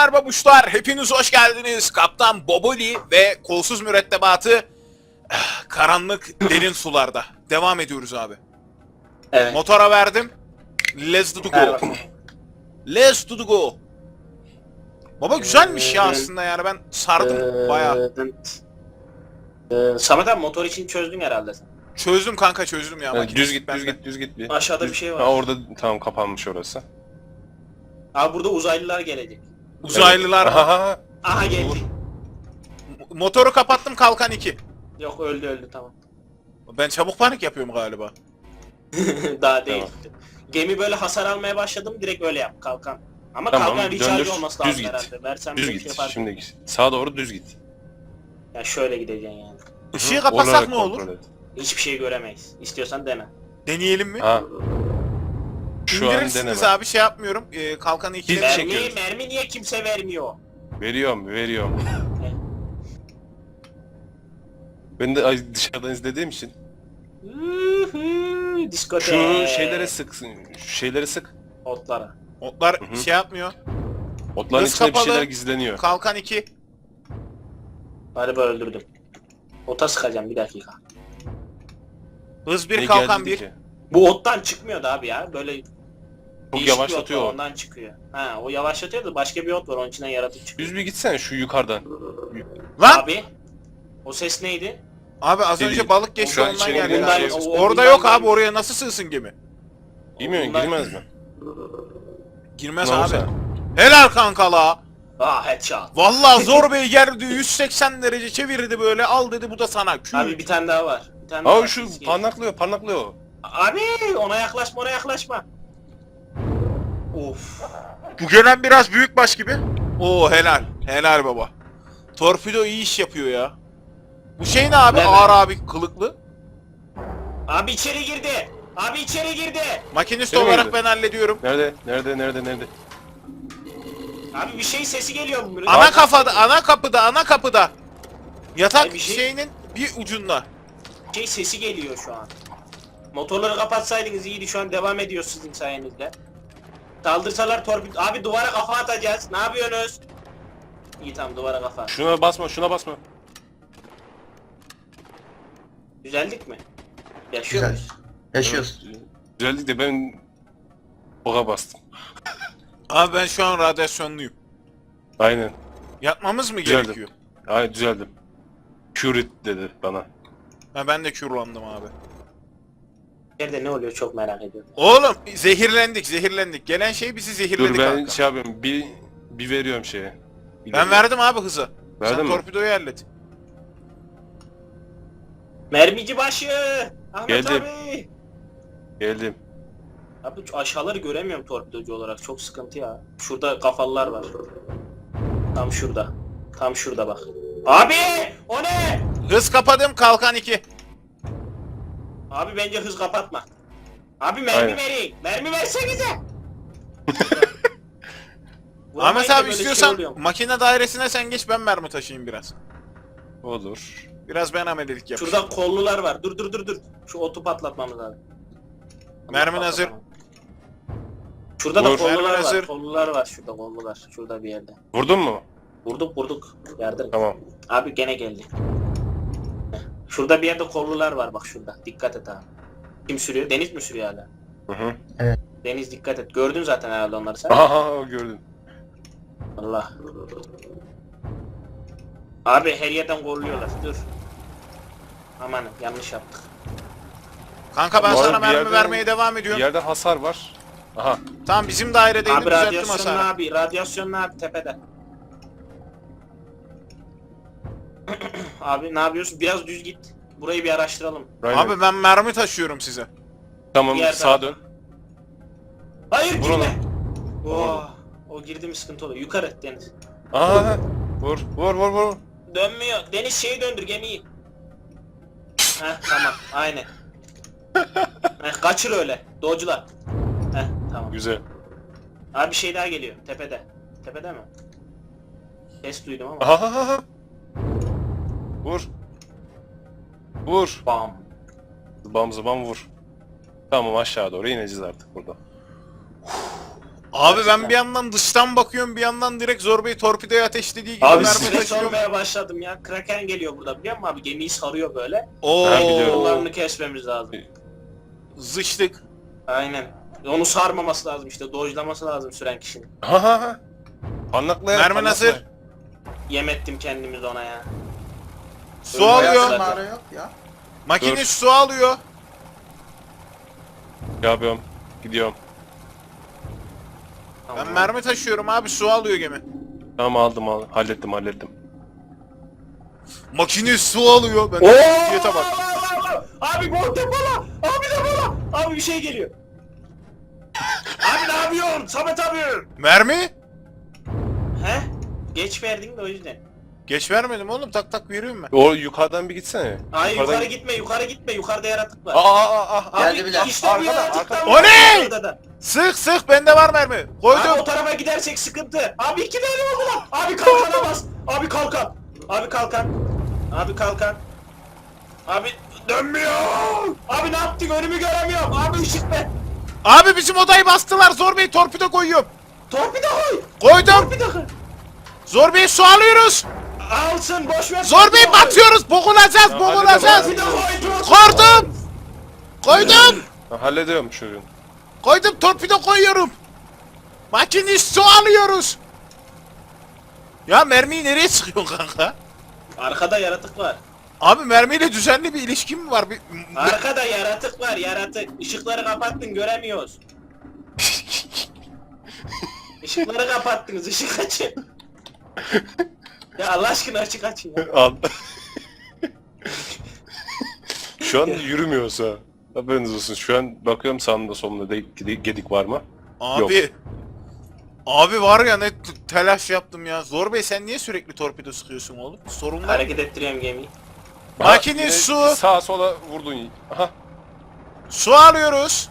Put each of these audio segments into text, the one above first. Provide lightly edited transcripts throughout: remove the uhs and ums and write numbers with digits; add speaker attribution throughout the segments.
Speaker 1: Selamlar babuşlar, hepiniz hoş geldiniz. Kaptan Boboli ve kolsuz mürettebatı karanlık derin sularda. Devam ediyoruz abi.
Speaker 2: Evet.
Speaker 1: Motora verdim. Let's do the
Speaker 2: Ver
Speaker 1: go.
Speaker 2: bakalım.
Speaker 1: Let's do the go. Baba güzelmiş ya aslında yani ben sardım bayağı.
Speaker 2: Samet abi motor için çözdün herhalde sen.
Speaker 1: Çözdüm kanka çözdüm ya.
Speaker 3: Yani
Speaker 1: makinesi
Speaker 3: düz git,
Speaker 1: bende.
Speaker 3: düz git, düz git bir.
Speaker 2: Aşağıda bir şey var.
Speaker 3: Ha, orada tamam kapanmış orası.
Speaker 2: Abi burada uzaylılar gelecek.
Speaker 1: Uzaylılar.
Speaker 3: Evet. Aha.
Speaker 2: Aha geldi.
Speaker 1: Motoru kapattım kalkan 2.
Speaker 2: Yok öldü tamam.
Speaker 1: Ben çabuk panik yapıyorum galiba.
Speaker 2: Daha değil.
Speaker 3: Tamam.
Speaker 2: Gemi böyle hasar almaya başladım direkt öyle yap kalkan. Ama
Speaker 3: Tamam,
Speaker 2: kalkan recharge
Speaker 3: döndür,
Speaker 2: olması
Speaker 3: düz
Speaker 2: lazım
Speaker 3: git.
Speaker 2: herhalde. Versem
Speaker 3: Düz
Speaker 2: bir
Speaker 3: git.
Speaker 2: şey yapar.
Speaker 3: Şimdi git. Sağa doğru düz git.
Speaker 2: Ya şöyle gideceksin yani.
Speaker 1: Işığı
Speaker 3: Hı,
Speaker 1: kapatsak
Speaker 3: olarak
Speaker 1: ne olur?
Speaker 3: kontrol et.
Speaker 2: Hiçbir şey göremeyiz. İstiyorsan dene.
Speaker 1: Deneyelim mi?
Speaker 3: Ha. Şu an
Speaker 1: İndirirsiniz
Speaker 3: deneme.
Speaker 1: abi şey yapmıyorum. Kalkanı 2'de
Speaker 3: Hiç-
Speaker 2: Mermi,
Speaker 3: çekiyoruz.
Speaker 2: mermi niye kimse vermiyor?
Speaker 3: Veriyorum. Ben de dışarıdan izlediğim için.
Speaker 2: Diskotek.
Speaker 3: Şu şeylere sıksın. Şu şeyleri sık.
Speaker 2: Otlara.
Speaker 1: Otlar
Speaker 3: Hı hı.
Speaker 1: şey yapmıyor.
Speaker 3: Otların
Speaker 1: Hız
Speaker 3: içinde
Speaker 1: kapalı.
Speaker 3: bir şeyler gizleniyor.
Speaker 1: Kalkan 2.
Speaker 2: Galiba öldürdüm. Ota sıkacağım bir dakika.
Speaker 1: Hız
Speaker 3: Ne
Speaker 1: 1 kalkan
Speaker 3: geldi
Speaker 1: 1.
Speaker 3: ki?
Speaker 2: Bu ottan çıkmıyordu abi ya. Böyle
Speaker 3: Çok
Speaker 2: değişik bir ot
Speaker 3: yavaşlatıyor
Speaker 2: var,
Speaker 3: o.
Speaker 2: ondan çıkıyor. Ha o yavaşlatıyor da başka bir ot var onun içinden yaratık çıkıyor.
Speaker 3: Düz bir gitsen şu yukarıdan.
Speaker 1: Lan!
Speaker 2: Abi o ses neydi?
Speaker 1: Abi az
Speaker 3: Değil.
Speaker 1: önce balık geçti
Speaker 3: Şu an
Speaker 1: ondan
Speaker 3: içeri
Speaker 1: geldi.
Speaker 3: giren
Speaker 1: galiba.
Speaker 3: şey-
Speaker 1: Orada
Speaker 2: bundan
Speaker 1: yok abi
Speaker 2: gelmiş.
Speaker 1: oraya nasıl sığsın gemi?
Speaker 3: Bilmiyorum
Speaker 2: Bundan-
Speaker 3: girmez mi?
Speaker 1: Girmez
Speaker 3: Ne
Speaker 1: abi.
Speaker 3: olsa?
Speaker 1: Helal kanka la.
Speaker 2: Ah headshot.
Speaker 1: Vallahi zor bey geldi 180 derece çevirdi böyle al dedi bu da sana. Kül.
Speaker 2: Abi bir tane daha var. Bir tane daha
Speaker 3: Aa
Speaker 2: var.
Speaker 3: şu
Speaker 2: Ses
Speaker 3: parnaklıyor.
Speaker 2: Abi ona yaklaşma. Of.
Speaker 1: Bu gelen biraz büyükbaş gibi. Oo helal. Helal baba. Torpido iyi iş yapıyor ya. Bu şey ne abi?
Speaker 2: Ne be?
Speaker 1: Ağır abi kılıklı.
Speaker 2: Abi içeri girdi. Abi içeri girdi.
Speaker 1: Makinist
Speaker 3: Değil mi
Speaker 1: olarak
Speaker 3: öyle?
Speaker 1: ben hallediyorum.
Speaker 3: Nerede?
Speaker 2: Abi bir şey sesi geliyor bu.
Speaker 1: Ana kapıda. Yatak
Speaker 2: Ay, bir şey-
Speaker 1: şeyinin bir ucunda.
Speaker 2: Şey sesi geliyor şu an. Motorları kapatsaydınız iyiydi şu an devam ediyor sizin sayenizde. Saldırsalar torpil... Abi duvara kafa atacağız. Ne yapıyorsunuz? İyi tamam duvara kafa.
Speaker 3: Şuna basma.
Speaker 2: Düzeldik mi? Yaşıyor
Speaker 4: Güzel.
Speaker 2: muyuz?
Speaker 4: Yaşıyoruz.
Speaker 3: Güzellik de ben oka bastım.
Speaker 1: Abi ben şu an radyasyonluyum.
Speaker 3: Aynen.
Speaker 1: Yatmamız mı
Speaker 3: Güzeldi.
Speaker 1: gerekiyor?
Speaker 3: Aynen düzeldim. Curit dedi bana.
Speaker 1: Ha ben de kürlandım abi.
Speaker 2: Nerede ne oluyor çok merak ediyorum.
Speaker 1: Oğlum zehirlendik. Gelen şey bizi zehirledi
Speaker 3: Dur ben
Speaker 1: kanka.
Speaker 3: şey yapıyorum. Bir veriyorum şeye.
Speaker 1: Ben verdim abi hızı.
Speaker 3: Verdin
Speaker 1: Sen
Speaker 3: mi?
Speaker 1: torpidoyu hallet.
Speaker 2: Mermici başı! Ahmet
Speaker 3: Geldim.
Speaker 2: abi!
Speaker 3: Geldim.
Speaker 2: Abi şu aşağıları göremiyorum torpidocu olarak çok sıkıntı ya. Şurada kafalılar var. Tam şurada. Tam şurada bak. Abi! O ne?
Speaker 1: Hız kapadım kalkan 2.
Speaker 2: Abi bence hız kapatma. Abi mermi
Speaker 3: Aynen.
Speaker 2: verin. Mermi versenize.
Speaker 1: Ahmet
Speaker 2: Vurmayınca
Speaker 1: abi
Speaker 2: böyle
Speaker 1: istiyorsan
Speaker 2: şey oluyor.
Speaker 1: makine dairesine sen geç ben mermi taşıyayım biraz.
Speaker 3: Olur.
Speaker 1: Biraz ben amelelik yapayım.
Speaker 2: Şurada kollular var. Dur. Şu otu patlatmamız lazım.
Speaker 1: Mermin hazır.
Speaker 2: Şurada da
Speaker 3: Vur.
Speaker 2: kollular
Speaker 1: Mermin
Speaker 2: var.
Speaker 1: hazır.
Speaker 2: Kollular var şurada kollular. Şurada bir yerde.
Speaker 3: Vurdun mu?
Speaker 2: Vurduk. Yardım.
Speaker 3: Tamam.
Speaker 2: Abi gene geldi. Heh. Şurada bir yerde kollular var bak şurada. Dikkat et abi. Kim sürüyor? Deniz mi sürüyor hala?
Speaker 3: Hı.
Speaker 2: Deniz dikkat et. Gördün zaten herhalde onları sen.
Speaker 3: Aha gördüm.
Speaker 2: Allah. Abi her yerden kolluyorlar. Dur. Aman yanlış yaptık.
Speaker 1: Kanka ben
Speaker 3: Bu arada
Speaker 1: sana
Speaker 3: bir
Speaker 1: mermi
Speaker 3: yerde-
Speaker 1: vermeye devam
Speaker 3: Bir
Speaker 1: ediyorum.
Speaker 3: yerde hasar var. Aha.
Speaker 1: Tamam bizim dairedeydim
Speaker 2: Abi
Speaker 1: düzelttim
Speaker 2: radyasyonlu
Speaker 1: hasarı.
Speaker 2: abi. Radyasyonlu abi tepede. Abi ne yapıyorsun? Biraz düz git. Burayı bir araştıralım.
Speaker 3: Aynen.
Speaker 1: Abi ben mermi taşıyorum size.
Speaker 3: Tamam
Speaker 2: Diğer
Speaker 3: sağa
Speaker 2: tarafa.
Speaker 3: dön.
Speaker 2: Hayır
Speaker 3: Vur
Speaker 2: girme.
Speaker 3: onu.
Speaker 2: Oh, o girdi mi sıkıntı oluyor. Yukarı Deniz.
Speaker 3: Aha. Vur.
Speaker 2: Dönmüyor. Deniz şeyi döndür gemiyi. Heh tamam aynen. Kaçır öyle. Doğucular. Heh tamam.
Speaker 3: Güzel.
Speaker 2: Abi bir şey daha geliyor. Tepede. Tepede mi? Ses duydum ama.
Speaker 3: Aha. Vur.
Speaker 2: Bam.
Speaker 3: Zıbam vur. Tamam aşağı doğru ineceğiz artık burada.
Speaker 1: Abi ben bir yandan dıştan bakıyorum, bir yandan direkt Zorbe'yi torpidoya ateşlediği gibi
Speaker 3: Abi
Speaker 1: mermi
Speaker 2: Stres
Speaker 1: taşıyorum.
Speaker 2: olmaya başladım ya. Kraken geliyor burada biliyor musun abi? Gemiyi sarıyor böyle.
Speaker 3: Ben biliyorum.
Speaker 2: Yollarını kesmemiz lazım.
Speaker 1: Zıçtık.
Speaker 2: Aynen. Onu sarmaması lazım işte. Dojlaması lazım süren kişinin.
Speaker 3: Ha ha ha. Parlaklayan.
Speaker 1: Mermi hazır.
Speaker 2: Yem ettim kendimizi ona ya.
Speaker 1: Su alıyor.
Speaker 2: Zaten.
Speaker 4: Mağara yok ya.
Speaker 1: Makinist su alıyor.
Speaker 3: Yapıyorum. Gidiyorum.
Speaker 1: Ben mermi taşıyorum abi, su alıyor gemi.
Speaker 3: Tamam aldım. Hallettim.
Speaker 1: Makinist su alıyor. Ben
Speaker 2: Oo!
Speaker 1: ciddiyete bak.
Speaker 2: Abi bu depola! Abi depola! Abi bir şey geliyor. Abi ne yapıyorsun? Samet abi!
Speaker 1: Mermi?
Speaker 2: He? Geç verdin de o yüzden.
Speaker 1: Geç vermedim oğlum, tak tak veriyorum ben.
Speaker 3: O yukarıdan bir gitsene.
Speaker 2: Hayır
Speaker 3: Yukarıdan
Speaker 2: yukarı gitme. Yukarıda yaratık var.
Speaker 3: Aa.
Speaker 4: Geldi bile.
Speaker 2: işte bu
Speaker 3: Arkada,
Speaker 2: yaratıktan
Speaker 3: arkada.
Speaker 1: O
Speaker 2: var
Speaker 1: ne?
Speaker 2: orada da.
Speaker 1: Sık bende var mermi.
Speaker 2: Abi
Speaker 1: Koydum.
Speaker 2: o tarafa gidersek sıkıntı. Abi 2 tane oldu lan. Abi kalkana bas. Abi kalkan. Abi kalkan. Abi kalkan. Abi dönmüyor. Abi ne yaptık önümü göremiyorum. Abi ışık be.
Speaker 1: Abi bizim odayı bastılar, Zorbe'yi torpido koyuyorum.
Speaker 2: Torpido koy.
Speaker 1: Koydum.
Speaker 2: Torpido koy.
Speaker 1: Zorbe'yi su alıyoruz.
Speaker 2: Alsın boş ver.
Speaker 1: Zorbe'yi
Speaker 2: torpido koy.
Speaker 1: batıyoruz, boğulacağız.
Speaker 2: Torpido koy.
Speaker 1: Koydum. Koydum.
Speaker 3: Hallediyorum şu gün.
Speaker 1: Koydum, torpido koyuyorum. Makinist su alıyoruz. Ya mermiyi nereye sıkıyorsun kanka?
Speaker 2: Arkada yaratık var.
Speaker 1: Abi mermiyle düzenli bir ilişkin mi var?
Speaker 2: Arkada yaratık var yaratık. Işıkları kapattın göremiyoruz. Işıkları kapattınız ışık açın. Ya Allah aşkına ışık açın ya.
Speaker 3: Al. Şu an yürümüyorsa. Haberiniz olsun. Şu an bakıyorum sağımda solumda gedik var mı?
Speaker 1: Abi.
Speaker 3: Yok.
Speaker 1: Abi var ya, ne telaş yaptım ya. Zor Bey, sen niye sürekli torpido sıkıyorsun oğlum? Sorun var mı?
Speaker 2: Hareket ettiriyorum gemiyi.
Speaker 1: Makine
Speaker 3: yine
Speaker 1: su.
Speaker 3: Sağa sola vurdun. Aha.
Speaker 1: Su alıyoruz.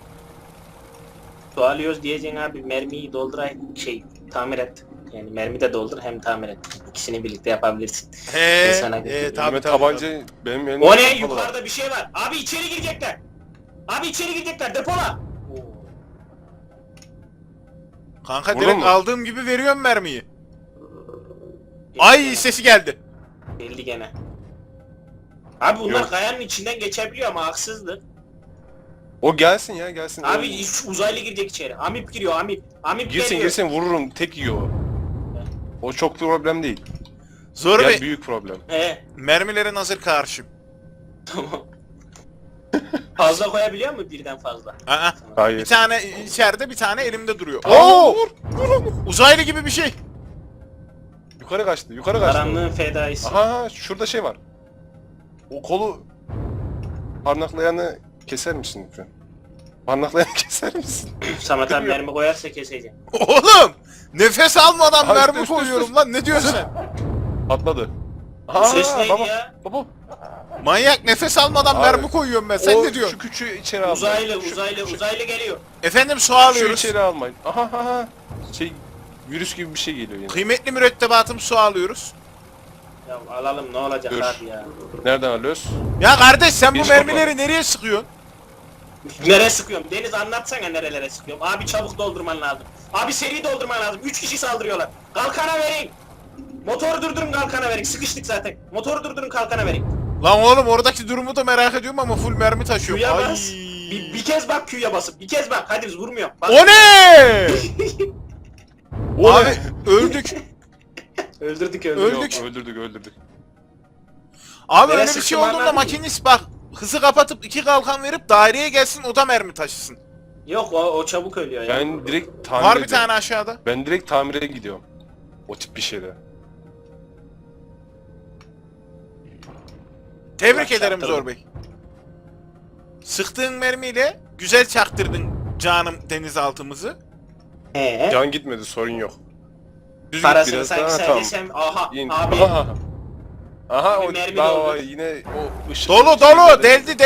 Speaker 2: Su alıyoruz diyeceksin abi mermiyi dolduray tamir et. Yani mermi de doldur hem tamir et. İkisini birlikte yapabilirsin. Ben sana götüreyim.
Speaker 1: tabii
Speaker 3: Elime
Speaker 1: tabii.
Speaker 3: tabanca benim elimde.
Speaker 2: O ne?
Speaker 3: kapalı.
Speaker 2: Yukarıda bir şey var. Abi içeri girecekler. Abi içeri girecekler depola.
Speaker 1: Kanka
Speaker 3: Vurdun
Speaker 1: direkt
Speaker 3: mu?
Speaker 1: aldığım gibi veriyorum mermiyi. Ay sesi geldi.
Speaker 2: Geldi gene. Abi bunlar
Speaker 3: Yok.
Speaker 2: kayanın içinden geçebiliyor ama haksızlık.
Speaker 3: O gelsin ya gelsin.
Speaker 2: Abi hiç uzaylı girecek içeri. Amip giriyor amip. Amip
Speaker 3: Girsin
Speaker 2: geliyor.
Speaker 3: girsin vururum tek yiyor o. O çok problem değil.
Speaker 1: Zor
Speaker 3: Gel
Speaker 1: Bey,
Speaker 3: büyük problem.
Speaker 2: He
Speaker 1: mermilerin hazır karşım.
Speaker 2: tamam. Fazla koyabiliyor mu birden fazla?
Speaker 1: Aa,
Speaker 3: Hayır.
Speaker 1: bir tane içeride, bir tane elimde duruyor.
Speaker 3: Oo!
Speaker 1: Oo! Uzaylı gibi bir şey.
Speaker 3: Yukarı kaçtı yukarı kaçtı.
Speaker 2: Karanlığın fedaisi.
Speaker 3: Aha şurada şey var. O kolu parmaklayanı keser misin lütfen? Parmaklayanı keser misin?
Speaker 2: Samet abi mermi koyarsa keseceğim.
Speaker 1: Oğlum! Nefes almadan
Speaker 3: Ay,
Speaker 1: mermi
Speaker 3: dur, dur,
Speaker 1: koyuyorum
Speaker 3: dur.
Speaker 1: lan, ne diyorsun sen?
Speaker 3: Patladı.
Speaker 2: Bu ses neydi
Speaker 3: baba,
Speaker 2: ya?
Speaker 3: Baba.
Speaker 1: Manyak, nefes almadan
Speaker 3: Abi,
Speaker 1: mermi koyuyorum ben, sen
Speaker 3: o
Speaker 1: ne diyorsun?
Speaker 3: Şu küçüğü içeri almayın.
Speaker 2: Uzaylı geliyor.
Speaker 1: Efendim su
Speaker 3: Şu
Speaker 1: alıyoruz.
Speaker 3: içeri almayın. Aha. Şey virüs gibi bir şey geliyor yine.
Speaker 1: Kıymetli mürettebatım, su alıyoruz.
Speaker 2: Ya alalım ne olacak
Speaker 3: Dur.
Speaker 2: abi ya.
Speaker 3: Nereden alıyoruz?
Speaker 1: Ya kardeş, sen bu
Speaker 3: Bir
Speaker 1: mermileri nereye sıkıyorsun?
Speaker 2: Nereye sıkıyorum? Deniz anlatsana nerelere sıkıyorum. Abi çabuk doldurman lazım. Abi seri doldurman lazım. 3 kişi saldırıyorlar. Kalkana verin. Motoru durdurun kalkana verin. Sıkıştık zaten. Motoru durdurun kalkana verin.
Speaker 1: Lan oğlum, oradaki durumu da merak ediyorum ama full mermi taşıyorum.
Speaker 2: Q'ya
Speaker 1: Ay.
Speaker 2: bas. Bir kez bak Q'ya basıp. Bir kez bak. Hadi biz vurmuyor. Bak.
Speaker 1: O ne?
Speaker 3: O
Speaker 1: Abi
Speaker 3: ne?
Speaker 1: öldük.
Speaker 2: Öldürdük.
Speaker 1: Öldük.
Speaker 3: Yok, öldürdük.
Speaker 1: Abi
Speaker 2: Nereye
Speaker 1: öyle bir şey
Speaker 2: sıktım
Speaker 1: olduğunda
Speaker 2: anladın mı?
Speaker 1: makinist bak, hızı kapatıp 2 kalkan verip daireye gelsin, o da mermi taşısın.
Speaker 2: Yok o çabuk ölüyor ya.
Speaker 3: Ben direkt tamir
Speaker 1: Var bir
Speaker 3: ediyorum.
Speaker 1: tane aşağıda.
Speaker 3: Ben direkt tamire gidiyorum. O tip bir şeyde.
Speaker 1: Tebrik
Speaker 2: Allah
Speaker 1: ederim
Speaker 2: çaktırdım.
Speaker 1: Zor Bey. Sıktığın mermiyle güzel çaktırdın canım denizaltımızı.
Speaker 2: He.
Speaker 3: Can gitmedi sorun yok. Düz git
Speaker 2: Parasını
Speaker 3: biraz
Speaker 2: sanki
Speaker 3: daha,
Speaker 2: sen
Speaker 3: tamam.
Speaker 2: desem aha
Speaker 3: İn.
Speaker 2: abi.
Speaker 3: Aha. Aha
Speaker 2: Abi
Speaker 3: o
Speaker 2: mermi
Speaker 3: daha
Speaker 2: doldu.
Speaker 3: yine o ışık.
Speaker 1: Dolu dolu, deldi.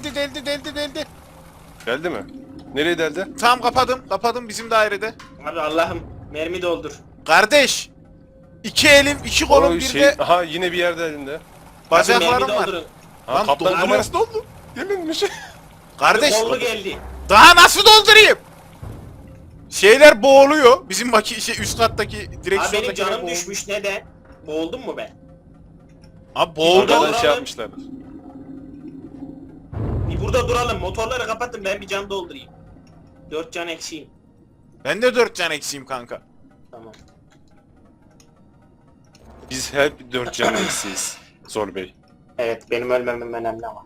Speaker 3: Geldi mi? Nereye deldi?
Speaker 1: Tamam, kapadım bizim dairede.
Speaker 2: Abi Allah'ım mermi doldur.
Speaker 1: Kardeş, 2 elim, 2 kolum,
Speaker 3: O
Speaker 1: bir
Speaker 3: şey,
Speaker 1: de
Speaker 3: aha yine bir yerde elinde.
Speaker 2: Abi
Speaker 1: bacaklarım
Speaker 2: mermi
Speaker 1: var.
Speaker 2: doldurun.
Speaker 3: Ha,
Speaker 1: Lan
Speaker 3: kaptan
Speaker 1: doldu.
Speaker 3: kamerası doldu. Yeminmiş.
Speaker 1: Kardeş,
Speaker 2: Kollu geldi.
Speaker 1: daha nasıl doldurayım? Şeyler boğuluyor. Bizim üst kattaki
Speaker 2: Abi benim
Speaker 1: direksiyondakiler
Speaker 2: canım
Speaker 1: boğuluyor.
Speaker 2: düşmüş neden? Boğuldum mu ben?
Speaker 1: Abi boğuldu.
Speaker 3: Oradan
Speaker 2: Orada-
Speaker 3: şey yapmışlar.
Speaker 2: Bir burada duralım. Motorları kapatın ben bir can doldurayım. 4 can eksiğim.
Speaker 1: Ben de 4 can eksiğim kanka.
Speaker 2: Tamam.
Speaker 3: Biz hep 4 can eksiyiz. Zor Bey.
Speaker 2: Evet benim ölmemem önemli ama.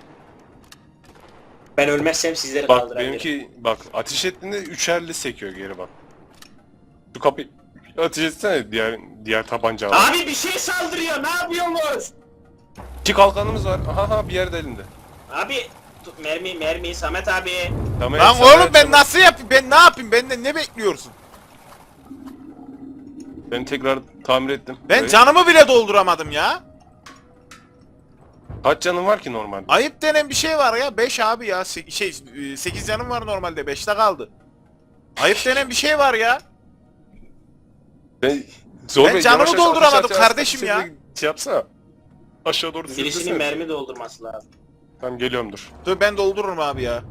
Speaker 2: Ben ölmezsem sizleri
Speaker 3: Bak
Speaker 2: kaldırabilirim.
Speaker 3: benimki bak ateş ettiğinde üçerli sekiyor geri bak. Şu kapıyı ateş etsene diğer tabanca var.
Speaker 2: Abi bir şey saldırıyor ne yapıyorsunuz?
Speaker 3: 2 kalkanımız var. Aha bir yerde elinde.
Speaker 2: Abi mermi Samet abi.
Speaker 3: Tamam,
Speaker 1: Lan
Speaker 3: sana
Speaker 1: oğlum ben
Speaker 3: yapacağım.
Speaker 1: nasıl yapayım? Ben ne yapayım? Benden ne bekliyorsun?
Speaker 3: Ben tekrar tamir ettim.
Speaker 1: Ben
Speaker 3: Evet.
Speaker 1: canımı bile dolduramadım ya.
Speaker 3: Kaç canın var ki normalde?
Speaker 1: Ayıp denen bir şey var ya. 5 abi ya. 8 canım var normalde. 5'te kaldı. Ayıp denen bir şey var ya.
Speaker 3: Ben, Zor
Speaker 1: Ben
Speaker 3: Bey,
Speaker 1: canımı
Speaker 3: yavaş
Speaker 1: dolduramadım
Speaker 3: aşağı
Speaker 1: kardeşim ya.
Speaker 3: Şey yapsana. Aşağı doğru
Speaker 2: Birisinin
Speaker 3: sürüklesene.
Speaker 2: mermi doldurması lazım.
Speaker 3: Tamam geliyorum dur.
Speaker 1: Dur ben doldururum abi ya.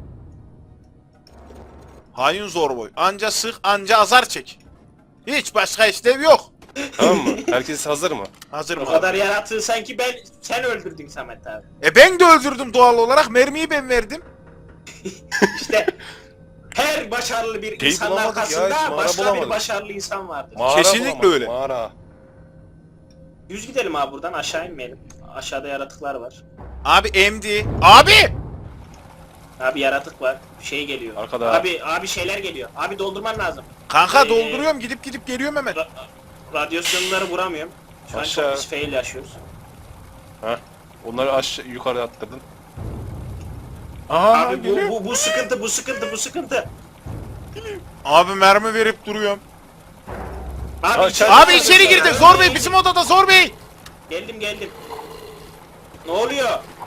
Speaker 1: Hain zor boy. Anca sık anca azar çek. Hiç başka işlev yok.
Speaker 3: Tamam mı? Herkes hazır mı?
Speaker 1: Hazır
Speaker 2: O
Speaker 1: mı?
Speaker 2: kadar yaratığı sanki sen öldürdün Samet abi.
Speaker 1: Ben de öldürdüm doğal olarak. Mermiyi ben verdim.
Speaker 2: İşte her başarılı bir
Speaker 3: Şeyi
Speaker 2: insanın
Speaker 3: bulamadık ya, hiç
Speaker 2: arkasında
Speaker 3: mağara
Speaker 2: başka bir
Speaker 3: bulamadık.
Speaker 2: başarılı insan vardır.
Speaker 3: Mağara
Speaker 1: Kesinlikle
Speaker 3: bulamadım,
Speaker 1: öyle.
Speaker 3: Mağara.
Speaker 2: Düz gidelim abi buradan aşağı inmeyelim. Aşağıda yaratıklar var.
Speaker 1: Abi MD. Abi!
Speaker 2: Abi yaratık var. Şey geliyor.
Speaker 3: Arkada.
Speaker 2: Abi şeyler geliyor. Abi doldurman lazım.
Speaker 1: Kanka
Speaker 2: Ee,
Speaker 1: dolduruyorum gidip geliyorum hemen.
Speaker 2: Radyasyonları vuramıyorum. Şu an
Speaker 3: Aşağı.
Speaker 2: çok pis fail yaşıyoruz.
Speaker 3: Heh. Onları aşağı yukarı attırdın. Aha
Speaker 2: Abi bu sıkıntı.
Speaker 1: Abi mermi verip duruyorum.
Speaker 2: Abi,
Speaker 1: Abi içeri girdi. Zor Bey bizim odada Zor Bey.
Speaker 2: Geldim. Ne oluyor?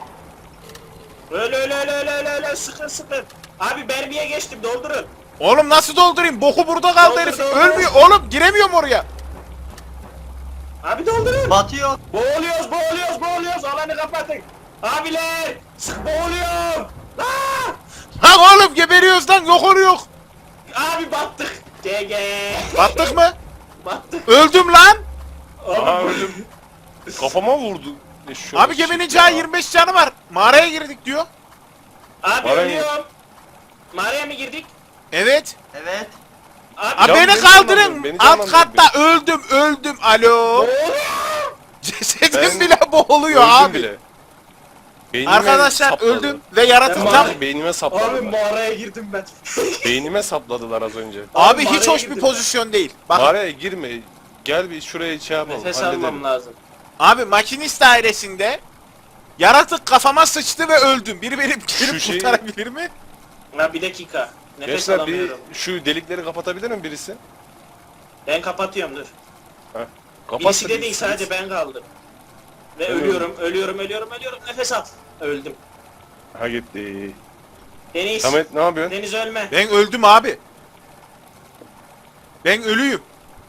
Speaker 2: Öyle sıkın. Abi mermiye geçtim doldurun.
Speaker 1: Oğlum nasıl doldurayım? Boku burada kaldı
Speaker 2: Doldur,
Speaker 1: herif.
Speaker 2: doldur.
Speaker 1: Ölmüyor. Oğlum giremiyorum oraya.
Speaker 2: Abi doldurun.
Speaker 4: Batıyor.
Speaker 2: Boğuluyoruz alanı kapatın. Abiler boğuluyorum. Aa!
Speaker 1: Ha oğlum geberiyoruz lan yok oluyor.
Speaker 2: Abi battık. GG.
Speaker 1: Battık mı?
Speaker 2: Battık.
Speaker 1: Öldüm lan.
Speaker 3: Aha
Speaker 2: Abi,
Speaker 3: öldüm. Kafama vurdu.
Speaker 1: Abi geminin cağı 25 canı var. Mağaraya girdik diyor.
Speaker 2: abi
Speaker 3: Mağaraya-
Speaker 2: ölüyorum. Mağaraya mı girdik?
Speaker 1: Evet.
Speaker 4: Evet.
Speaker 2: Abi
Speaker 1: Abi
Speaker 3: Ya
Speaker 1: beni
Speaker 3: beni
Speaker 1: kaldırın.
Speaker 3: canlandırın, beni
Speaker 1: Alt
Speaker 3: canlandırın.
Speaker 1: katta öldüm. Alo.
Speaker 2: boğuluyorum.
Speaker 1: Cesedim
Speaker 3: Ben
Speaker 1: bile boğuluyor
Speaker 3: Öldüm
Speaker 1: abi.
Speaker 3: bile. Beynime
Speaker 1: Arkadaşlar
Speaker 3: sapladı.
Speaker 1: öldüm ve yaratık
Speaker 2: Ben
Speaker 1: tam...
Speaker 3: Beynime
Speaker 2: Abi
Speaker 3: sapladılar.
Speaker 2: mağaraya girdim ben.
Speaker 3: Beynime sapladılar az önce.
Speaker 1: Abi hiç
Speaker 2: mağaraya
Speaker 1: hoş bir
Speaker 2: girdim
Speaker 1: pozisyon değil. Bak
Speaker 3: Mağaraya girme. Gel bir şuraya şey yapalım.
Speaker 2: Nefes
Speaker 3: halledelim.
Speaker 2: almam lazım.
Speaker 1: abi makinist dairesinde yaratık kafama sıçtı ve öldüm. Biri beni gelip
Speaker 3: şeyi-
Speaker 1: kurtarabilir mi?
Speaker 2: Ha bir dakika. Nefes
Speaker 3: Gençler bir
Speaker 2: alamıyorum.
Speaker 3: şu delikleri kapatabilir mi birisi?
Speaker 2: Ben kapatıyorum dur.
Speaker 3: Kapat.
Speaker 2: Birisi de değil sadece ben kaldım. Ve
Speaker 3: Evet.
Speaker 2: ölüyorum. Nefes al. Öldüm.
Speaker 3: Ha gitti.
Speaker 2: Deniz.
Speaker 3: Samet ne yapıyorsun?
Speaker 2: Deniz ölme.
Speaker 1: Ben öldüm abi. Ben ölüyüm.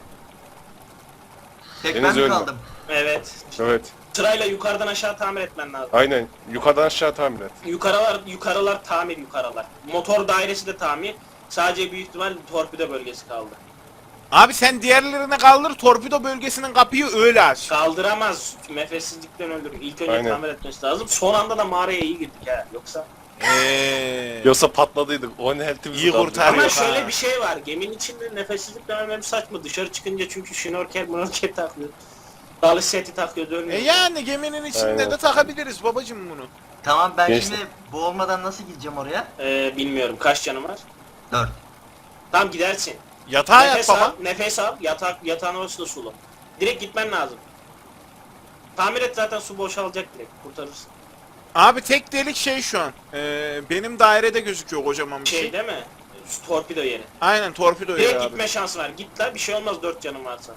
Speaker 4: Tek
Speaker 3: Deniz
Speaker 4: ben mi
Speaker 3: ölme.
Speaker 4: kaldım?
Speaker 2: Evet.
Speaker 3: Evet.
Speaker 2: Sırayla yukarıdan aşağı tamir etmen lazım.
Speaker 3: Aynen. Yukarıdan aşağı tamir et.
Speaker 2: Yukarılar tamir yukarılar. Motor dairesi de tamir. Sadece büyük ihtimal torpido bölgesi kaldı.
Speaker 1: Abi sen diğerlerine kaldır torpido bölgesinin kapıyı öyle aç.
Speaker 2: Kaldıramaz. Nefessizlikten öldürür. İlk önce
Speaker 3: Aynen.
Speaker 2: tamir etmesi lazım. Son anda da mağaraya iyi girdik ha. Yoksa.
Speaker 3: Yoksa patladıydık. O ne heltimizi
Speaker 1: İyi
Speaker 3: kaldı.
Speaker 1: kurtar.
Speaker 2: Ama
Speaker 1: yok
Speaker 2: şöyle
Speaker 1: ha.
Speaker 2: bir şey var. Geminin içinde nefessizlikten ölmem saçma. Dışarı çıkınca çünkü şnorkel takıyor. Dalış seti takıyor dönüyor.
Speaker 1: Yani geminin içinde
Speaker 3: Aynen.
Speaker 1: de takabiliriz babacım bunu.
Speaker 4: Tamam ben
Speaker 3: Gençler.
Speaker 4: şimdi boğulmadan nasıl gideceğim oraya?
Speaker 2: Bilmiyorum kaç canım var.
Speaker 4: 4.
Speaker 2: Tamam gidersin.
Speaker 1: Yatağa yat
Speaker 2: Nefes
Speaker 1: baba.
Speaker 2: al, nefes al. Yatağın orası da sulu. Direkt gitmen lazım. Tamir et zaten su boşalacak direkt. Kurtarırsın.
Speaker 1: Abi tek delik şey şu an. Benim dairede gözüküyor kocaman bir şey.
Speaker 2: Şey değil mi? Torpido yeri.
Speaker 1: Aynen torpido yeri
Speaker 2: Direkt
Speaker 1: abi.
Speaker 2: gitme şansın var. Git la bir şey olmaz 4 canın varsa.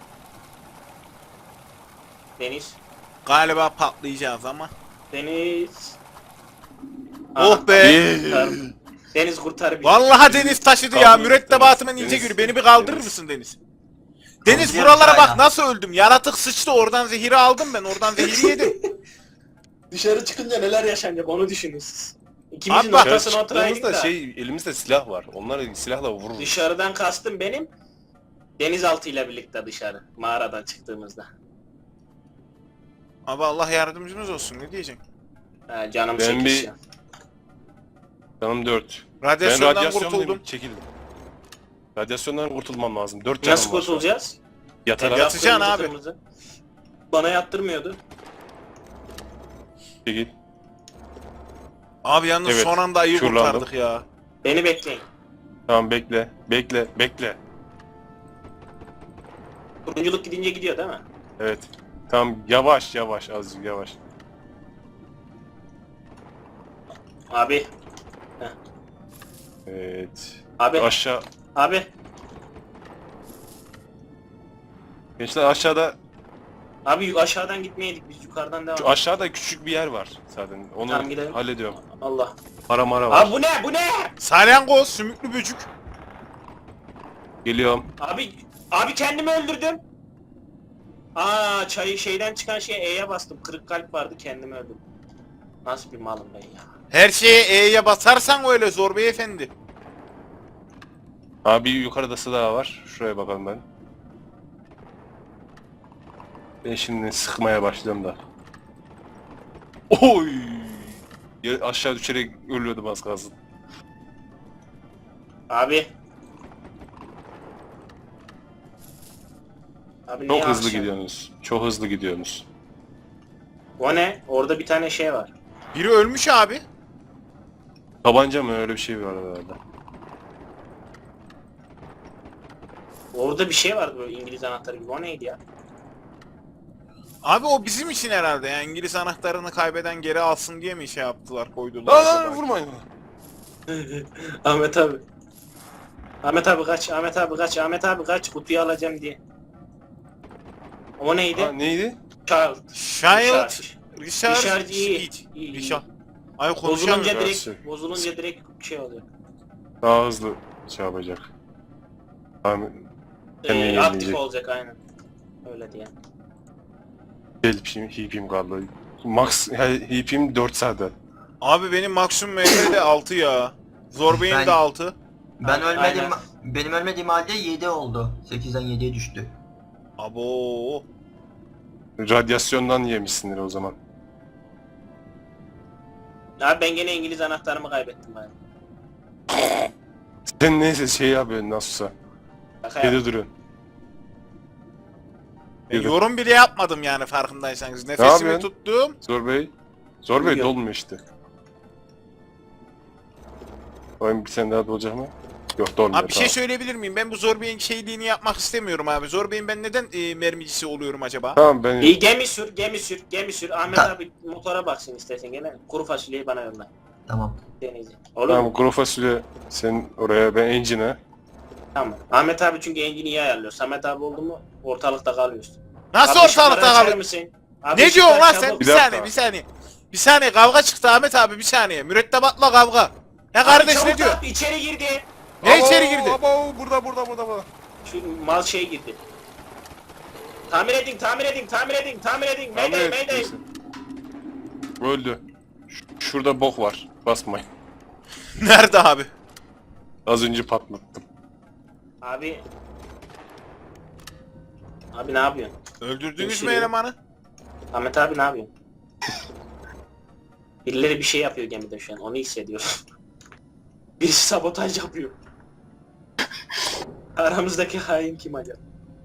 Speaker 2: Deniz.
Speaker 1: Galiba patlayacağız ama.
Speaker 2: Deniz.
Speaker 1: Oh be.
Speaker 2: Kurtar. Deniz kurtar bizi.
Speaker 1: Vallahi Deniz taşıdı ya.
Speaker 3: Kaldır,
Speaker 1: Mürettebatımın
Speaker 3: Deniz,
Speaker 1: ince
Speaker 3: Deniz,
Speaker 1: gülü. Beni bir kaldırır
Speaker 3: Deniz.
Speaker 1: mısın Deniz? Deniz
Speaker 4: Kaldırıyorum
Speaker 1: buralara
Speaker 4: hala.
Speaker 1: bak nasıl öldüm. Yaratık sıçtı oradan zehiri aldım ben. Oradan zehiri yedim.
Speaker 2: Dışarı çıkınca neler yaşanacak onu düşünün siz. İkimizin
Speaker 1: Abi bak,
Speaker 2: ortasına oturaydık
Speaker 3: Çıktığımızda
Speaker 2: da.
Speaker 3: elimizde silah var. Onları silahla vururuz.
Speaker 2: Dışarıdan kastım benim. Denizaltı ile birlikte dışarı. Mağaradan çıktığımızda.
Speaker 1: Abi Allah yardımcımız olsun, ne diyeceksin?
Speaker 2: Ha, canım
Speaker 3: Ben bir-
Speaker 2: çekişiyor.
Speaker 3: Canım 4. Ben
Speaker 1: Radyasyondan
Speaker 3: radyasyondan
Speaker 1: kurtuldum.
Speaker 3: çekildim. Radyasyondan kurtulmam lazım. 4 canım
Speaker 2: Nasıl
Speaker 3: var.
Speaker 2: kurtulacağız?
Speaker 3: Yatarak
Speaker 1: Yatacaksın
Speaker 2: Kırmızı
Speaker 1: abi.
Speaker 2: kırmızı. Bana yattırmıyordu.
Speaker 3: çekil.
Speaker 1: Abi yalnız
Speaker 3: Evet,
Speaker 1: son anda ayı
Speaker 3: şuralandım.
Speaker 1: kurtardık ya.
Speaker 2: Beni bekleyin.
Speaker 3: Tamam bekle. Bekle.
Speaker 2: Turunculuk gidince gidiyor değil mi?
Speaker 3: Evet. Tamam yavaş azıcık yavaş.
Speaker 2: Abi.
Speaker 3: Evet.
Speaker 2: Abi.
Speaker 3: Aşağı.
Speaker 2: Abi.
Speaker 3: Gençler aşağıda.
Speaker 2: Abi aşağıdan gitmeydik biz yukarıdan devam.
Speaker 3: Şu aşağıda küçük bir yer var zaten. Onu
Speaker 2: Tamam, gidelim.
Speaker 3: hallediyorum.
Speaker 2: Allah.
Speaker 3: Para mara var.
Speaker 2: Abi bu ne? Bu ne?
Speaker 1: Salyangoz, sümüklü böcük.
Speaker 3: Geliyorum.
Speaker 2: Abi kendimi öldürdüm. Aa çayı şeyden çıkan şeye E'ye bastım. Kırık kalp vardı kendimi öldürdüm. Nasıl bir malım ben ya.
Speaker 1: Her şeye E'ye basarsan öyle Zor Beyefendi.
Speaker 3: Abi yukarıda silah var. Şuraya bakalım ben. Ben şimdi sıkmaya başlıyorum da. Oy! Aşağı düşerek ölüyordum az kalsın.
Speaker 2: Abi. Abi
Speaker 3: Çok
Speaker 2: niye
Speaker 3: hızlı
Speaker 2: akşam?
Speaker 3: gidiyorsunuz. Çok hızlı gidiyorsunuz.
Speaker 2: O ne? Orada bir tane şey var.
Speaker 1: Biri ölmüş abi.
Speaker 3: Tabanca mı öyle bir şey var herhalde.
Speaker 2: Orada bir şey vardı böyle İngiliz anahtarı gibi. O neydi ya?
Speaker 1: Abi o bizim için herhalde yani İngiliz anahtarını kaybeden geri alsın diye mi şey yaptılar, koydular
Speaker 3: Lan
Speaker 1: acaba?
Speaker 3: vurmayın.
Speaker 2: Ahmet abi. Ahmet abi kaç, Ahmet abi kaç, Ahmet abi kaç, kutuyu alacağım diye. O neydi?
Speaker 3: Ha, neydi?
Speaker 2: Child.
Speaker 1: Child
Speaker 2: Richard
Speaker 1: Richard
Speaker 2: iyi.
Speaker 1: Speed.
Speaker 2: İyi, iyi.
Speaker 1: Richard. Ay
Speaker 2: Bozulunca
Speaker 1: konuşamıyorum.
Speaker 2: direkt, bozulunca direkt şey oluyor.
Speaker 3: Daha hızlı şey yapacak. Tamam. Kendini
Speaker 2: Aktif
Speaker 3: yenileyecek.
Speaker 2: olacak aynen. Öyle diye.
Speaker 3: Hipim kaldı. Max hipim 4 zaten.
Speaker 1: Abi benim maksimum MF de 6 ya. Zor Bey'in
Speaker 4: Ben-
Speaker 1: de 6.
Speaker 4: Ben ölmedim.
Speaker 2: Aynen.
Speaker 4: Benim ölmediğim halde 7 oldu. 8'den 7'ye düştü.
Speaker 1: Abo.
Speaker 3: Radyasyondan yemişsindir o zaman.
Speaker 2: Abi ben gene İngiliz anahtarımı kaybettim abi.
Speaker 3: Sen neyse şey yapıyorsun nasılsa.
Speaker 2: Şaka
Speaker 3: Şeyde
Speaker 2: yap.
Speaker 3: duruyorsun. Yürü.
Speaker 1: Yorum bile yapmadım yani farkındaysanız. Nefesimi
Speaker 3: yapıyorsun?
Speaker 1: tuttum.
Speaker 3: Zor Bey. Zor Bey
Speaker 2: Uyuyor.
Speaker 3: dolmuyor işte. Oyun bir sene daha dolacak mı? Yok dolmuyor.
Speaker 1: Abi bir şey söyleyebilir miyim? Ben bu Zor Bey'in şeyliğini yapmak istemiyorum abi. Zor Bey'in ben neden mermicisi oluyorum acaba?
Speaker 3: Tamam ben
Speaker 2: İyi gemi sür, gemi sür, gemi sür. Ahmet
Speaker 4: Ta-
Speaker 2: abi motora baksın istersen gene. Kuru fasulyeyi bana yolla.
Speaker 4: Tamam.
Speaker 2: Deneyeceğim. Olur
Speaker 3: tamam
Speaker 2: mu?
Speaker 3: kuru fasulye sen oraya ben engine'e.
Speaker 2: Tamam. Ahmet abi çünkü engini iyi ayarlıyor. Samet abi oldu mu ortalıkta kalıyorsun.
Speaker 1: Nasıl
Speaker 2: Abi ışıkları
Speaker 1: ortalıkta
Speaker 2: açar
Speaker 1: kalıyor?
Speaker 2: mısın? Abi
Speaker 1: Ne diyorsun
Speaker 2: ışıkları
Speaker 1: lan
Speaker 2: çabuk.
Speaker 1: sen? Bir
Speaker 3: Bir dakika.
Speaker 1: saniye, bir saniye. Bir saniye kavga çıktı Ahmet abi, bir saniye. Mürettebatla kavga. Ya
Speaker 2: Abi
Speaker 1: kardeş
Speaker 2: çabuk
Speaker 1: ne diyor?
Speaker 2: yap, İçeri girdi.
Speaker 1: Ne içeri girdi?
Speaker 3: Abo burada.
Speaker 2: Şu mal şey girdi. Tamir edin. Mayday.
Speaker 3: Öldü. Şurada bok var. Basmayın.
Speaker 1: Nerede abi?
Speaker 3: Az önce patlattım.
Speaker 2: Abi. Abi ne yapıyorsun?
Speaker 1: Öldürdünüz mü
Speaker 2: Geçiriyor.
Speaker 1: elemanı?
Speaker 2: Ahmet abi ne yapıyorsun? Birileri bir şey yapıyor gemide şu an. Onu hissediyorum. Birisi sabotaj yapıyor. Aramızdaki hain kim acaba?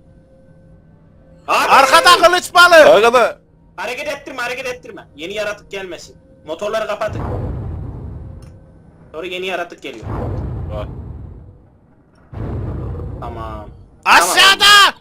Speaker 2: Abi!
Speaker 1: Arkada kılıç balı.
Speaker 3: Arkada.
Speaker 2: Hareket ettirme. Yeni yaratık gelmesin. Motorları kapatın. Sonra yeni yaratık geliyor.
Speaker 3: Var.
Speaker 2: Tamam.
Speaker 1: Aşağıda.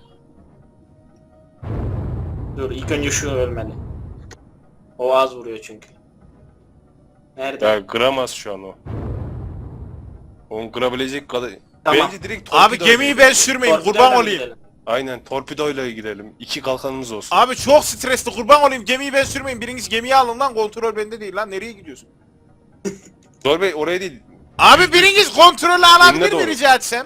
Speaker 2: Dur ilk önce şu ölmeli. O az vuruyor çünkü. Nerede?
Speaker 3: Ya kıramaz şu an o. Onu kırabilecek kadar.
Speaker 2: Tamam.
Speaker 3: Bence direkt
Speaker 1: Abi
Speaker 3: torpidoyla
Speaker 1: gemiyi
Speaker 3: gidelim.
Speaker 1: ben sürmeyin,
Speaker 2: Torpidoyla
Speaker 1: kurban
Speaker 2: mı
Speaker 1: olayım.
Speaker 2: gidelim?
Speaker 3: Aynen torpidoyla gidelim. 2 kalkanımız olsun.
Speaker 1: Abi çok stresli, kurban olayım, gemiyi ben sürmeyin. Biriniz gemiyi alın lan, kontrol bende değil lan. Nereye gidiyorsun?
Speaker 3: Zor Bey oraya değil.
Speaker 1: Abi biriniz kontrolü alabilir
Speaker 3: Önüne
Speaker 1: mi
Speaker 3: doğru.
Speaker 1: rica etsem?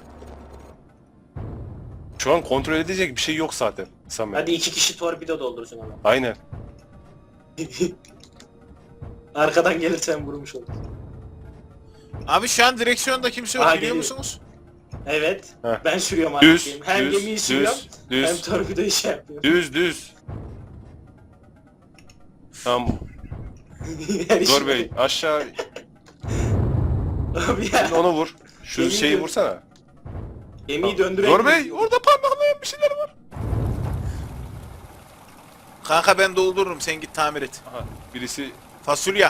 Speaker 3: Şu an kontrol edecek bir şey yok zaten. Samet.
Speaker 2: Hadi 2 kişi torpido doldursun ama.
Speaker 3: Aynen.
Speaker 2: Arkadan gelirsen vurmuş olur.
Speaker 1: Abi şu an direksiyonda kimse yok
Speaker 2: Aha,
Speaker 1: biliyor
Speaker 2: geliyor.
Speaker 1: musunuz?
Speaker 2: Evet.
Speaker 3: Heh.
Speaker 2: Ben sürüyorum
Speaker 3: Düz,
Speaker 2: artık. Hem gemiyi sürüyorum hem
Speaker 3: düz,
Speaker 2: torpidoyu şey yapıyorum.
Speaker 3: düz. Tamam.
Speaker 2: Yani
Speaker 3: Zor
Speaker 2: şimdi-
Speaker 3: Bey aşağı
Speaker 2: Abi ya.
Speaker 3: onu vur. Şu
Speaker 2: Yemin
Speaker 3: şeyi
Speaker 2: ediyorum.
Speaker 3: vursana.
Speaker 2: Gemiyi döndüremiyorum.
Speaker 3: Zor Bey orada parmaklayan bir şeyler var.
Speaker 1: Kanka ben doldururum sen git tamir et.
Speaker 3: Aha birisi
Speaker 1: Fasulye.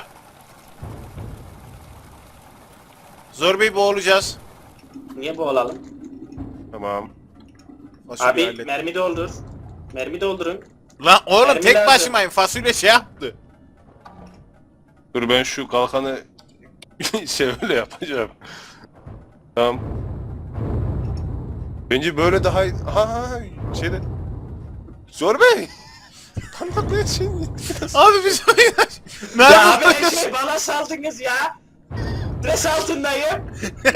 Speaker 1: Zor Bey boğulacağız.
Speaker 2: Niye boğulalım?
Speaker 3: tamam.
Speaker 1: Fasulye
Speaker 2: Abi
Speaker 1: hallet.
Speaker 2: mermi doldur. Mermi doldurun.
Speaker 1: Lan oğlum
Speaker 2: Mermi
Speaker 1: tek
Speaker 2: lazım.
Speaker 1: başımayım fasulye şey yaptı.
Speaker 3: Dur ben şu kalkanı şey öyle yapacağım. Tamam. Bence böyle daha iyi. Ha şeyde. Zor Bey. Parmaklayan şey
Speaker 1: Abi biz ne
Speaker 2: Ya abi
Speaker 1: yapıyoruz?
Speaker 2: her şey bana saldınız ya. Stres altındayım.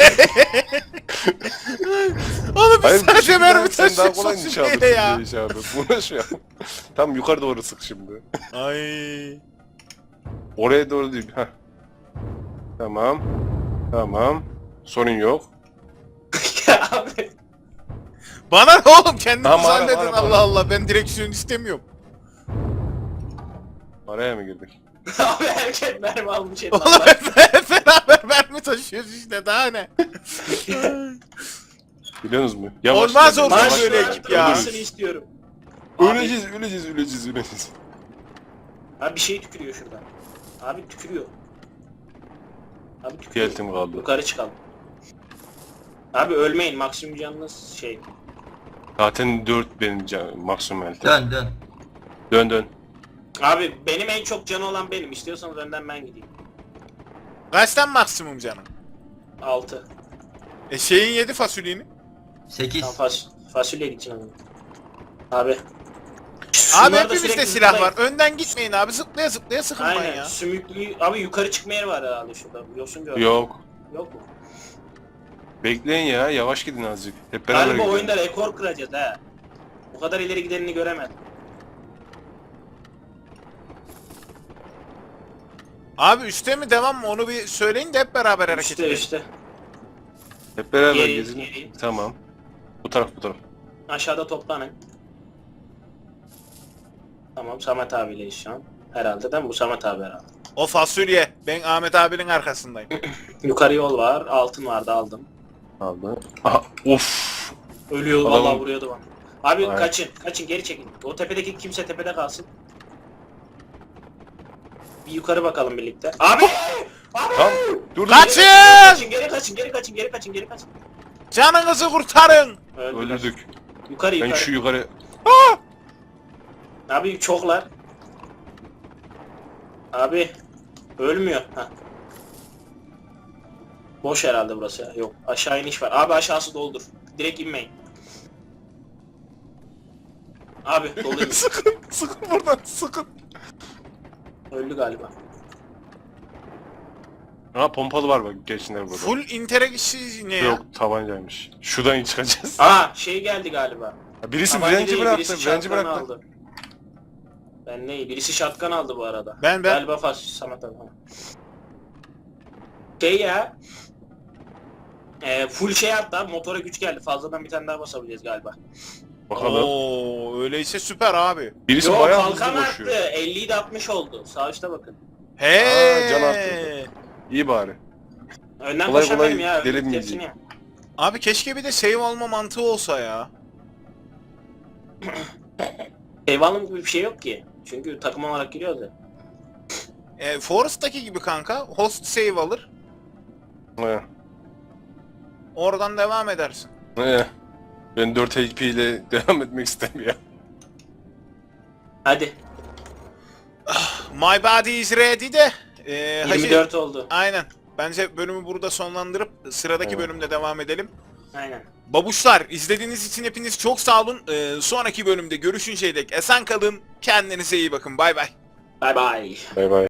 Speaker 1: Oğlum biz
Speaker 3: Hayır
Speaker 1: sadece mermi
Speaker 3: sen daha kolay
Speaker 1: taşıyorsun
Speaker 3: nişan
Speaker 1: fasulyeyle ya.
Speaker 3: alırsın diye abi. Buna şey yap. Tam yukarı doğru sık şimdi.
Speaker 1: Ay.
Speaker 3: Oraya doğru değil. Heh. Tamam. Tamam. Sorun yok.
Speaker 2: Ya abi.
Speaker 1: Bana ne oğlum kendiniz
Speaker 3: Tamam,
Speaker 1: halledin
Speaker 3: ara.
Speaker 1: Allah Allah ben direksiyon istemiyorum.
Speaker 3: Araya mı girdik?
Speaker 2: Abi herkes mermi almış
Speaker 1: Oğlum
Speaker 2: Allah.
Speaker 1: hep beraber mermi taşıyoruz işte daha ne.
Speaker 3: Biliyorsunuz mu?
Speaker 1: Olmaz
Speaker 3: yavaş.
Speaker 1: olsun
Speaker 2: Maaş
Speaker 1: böyle
Speaker 2: var,
Speaker 1: ekip ya.
Speaker 2: olmasını istiyorum. Abi,
Speaker 3: Öleceğiz.
Speaker 2: abi bir şey tükürüyor şuradan. Abi tükürüyor. Abi tükürüyor.
Speaker 3: Tuvaletim kaldı.
Speaker 2: Yukarı çıkalım. Abi ölmeyin maksimum canınız şey.
Speaker 3: Zaten 4 benim maksimum elde.
Speaker 4: Dön.
Speaker 3: Dön.
Speaker 2: Abi benim en çok canı olan benim. İstiyorsanız önden ben gideyim.
Speaker 1: Kaçtan maksimum canım?
Speaker 2: 6.
Speaker 1: Şeyin yedi fasulyeni.
Speaker 4: 8.
Speaker 2: Tam fasulye gideceğim abi. Abi.
Speaker 1: Abi
Speaker 2: Şunlarda
Speaker 1: hepimizde
Speaker 2: sürekli
Speaker 1: silah
Speaker 2: zıplayın.
Speaker 1: var. Önden gitmeyin abi. Zıplaya zıplaya sıkılmayın
Speaker 2: Aynen.
Speaker 1: ya.
Speaker 2: Sümüklü. Abi yukarı çıkma yeri var herhalde şurada. Yosun gördüm.
Speaker 3: Yok.
Speaker 2: Yok mu?
Speaker 3: Bekleyin ya. Yavaş gidin azıcık. Hep beraber
Speaker 2: Galiba
Speaker 3: gidelim.
Speaker 2: oyunda rekor kıracağız ha. Bu kadar ileri gidenini göremedim.
Speaker 1: Abi üste mi devam mı onu bir söyleyin de hep beraber hareket
Speaker 2: İşte
Speaker 1: edelim.
Speaker 2: işte.
Speaker 3: Hep beraber
Speaker 2: Geri,
Speaker 3: gezin.
Speaker 2: geri.
Speaker 3: Tamam. Bu taraf.
Speaker 2: Aşağıda toplanın. Tamam Samet abiyleyiz şu an. Herhalde değil mi? Bu Samet abi herhalde.
Speaker 1: O fasulye. Ben Ahmet abinin arkasındayım.
Speaker 2: Yukarı yol var. Altın vardı aldım.
Speaker 3: Aldı. Aha. Of.
Speaker 2: Ölüyor
Speaker 3: Adamın-
Speaker 2: vallahi vuruyordu bana. Abi
Speaker 3: Aynen.
Speaker 2: kaçın geri çekin. O tepedeki kimse tepede kalsın. Bir yukarı bakalım birlikte. Abi! Abi!
Speaker 3: Tamam. Dur.
Speaker 1: Kaçın!
Speaker 2: Geri kaçın.
Speaker 1: Canınızı kurtarın.
Speaker 2: Öldüler.
Speaker 3: Öldürdük.
Speaker 2: Yukarı
Speaker 3: Ben
Speaker 2: yukarı.
Speaker 3: şu yukarı.
Speaker 2: Abi çoklar. Abi ölmüyor. Heh. Boş herhalde burası ya. Yok aşağı iniş var. Abi aşağısı doldur. Direkt inmeyin. Abi doluymuş.
Speaker 3: Sıkın buradan. Sıkın.
Speaker 2: Öldü galiba.
Speaker 3: Ha pompalı var bak gençler burada.
Speaker 1: Full interakşi ne ya?
Speaker 3: Yok tabancaymış. Şuradan çıkacağız.
Speaker 2: Aa şey geldi galiba.
Speaker 3: Ha, birisi
Speaker 2: Tabanca
Speaker 3: frenci
Speaker 2: değil,
Speaker 3: bıraktı.
Speaker 2: birisi
Speaker 3: Frenci
Speaker 2: shotgun
Speaker 3: bıraktı.
Speaker 2: aldı. Ben neyi? Birisi shotgun aldı bu arada.
Speaker 1: Ben.
Speaker 2: Galiba Samet abi. Şey ya. Full şey hatta motora güç geldi. Fazladan bir tane daha basabileceğiz galiba.
Speaker 3: Bakalım.
Speaker 1: Oo öyleyse süper abi.
Speaker 3: Birisi
Speaker 2: Yo
Speaker 3: bayağı hızlı
Speaker 2: kalkan arttı.
Speaker 3: koşuyor.
Speaker 2: 50'yi de 60 oldu. Sağ üstte bakın.
Speaker 1: He.
Speaker 3: Aa, can arttırdı. İyi bari.
Speaker 2: Önden
Speaker 3: Kolay
Speaker 2: koşamıyorum
Speaker 3: kolay
Speaker 2: ya.
Speaker 3: delemeyecek.
Speaker 2: Hepsini ya.
Speaker 1: Abi keşke bir de save alma mantığı olsa ya.
Speaker 2: Eyvallah gibi bir şey yok ki. Çünkü takım olarak giriyoruz ya.
Speaker 1: Forest'taki gibi kanka. Host save alır.
Speaker 3: He.
Speaker 1: Oradan devam edersin.
Speaker 3: He. Ben 4 HP ile devam etmek istemiyorum.
Speaker 2: Hadi.
Speaker 1: My body is ready de. Hacı,
Speaker 2: 24 oldu.
Speaker 1: aynen. Bence bölümü burada sonlandırıp sıradaki
Speaker 3: Evet.
Speaker 1: bölümde devam edelim.
Speaker 2: Aynen.
Speaker 1: Babuşlar izlediğiniz için hepiniz çok sağ olun. Sonraki bölümde görüşünceye dek esen kalın. Kendinize iyi bakın. Bay bay.
Speaker 2: Bye bye.
Speaker 3: Bay bay.